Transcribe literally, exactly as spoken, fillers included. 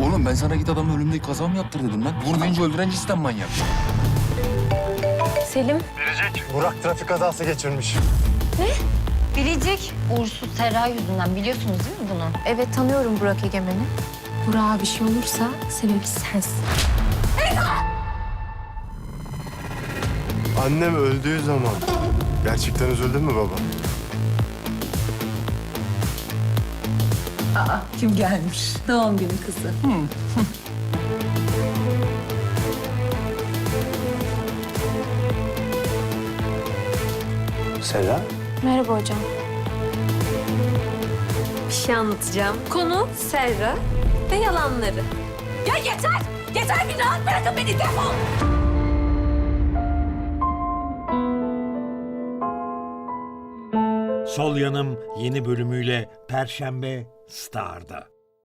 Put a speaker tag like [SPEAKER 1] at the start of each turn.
[SPEAKER 1] Oğlum ben sana git adamın ölümdeki kaza mı yaptır dedim lan. Vurmayınca öldüren cidden manyak.
[SPEAKER 2] Selim.
[SPEAKER 3] Burak trafik kazası geçirmiş.
[SPEAKER 2] Biricik. Uğursuz Serra yüzünden biliyorsunuz değil mi bunu? Evet tanıyorum Burak Egemen'i. Burak'a bir şey olursa sebebi sensin.
[SPEAKER 3] Annem öldüğü zaman gerçekten üzüldün mü baba?
[SPEAKER 4] Kim gelmiş? Doğum günü kızı.
[SPEAKER 3] Serra?
[SPEAKER 2] Merhaba hocam.
[SPEAKER 5] Bir şey anlatacağım. Konu Serra ve yalanları. Ya yeter! Yeter, bir rahat bırakın beni, defol!
[SPEAKER 6] Sol Yanım yeni bölümüyle Perşembe Star'da.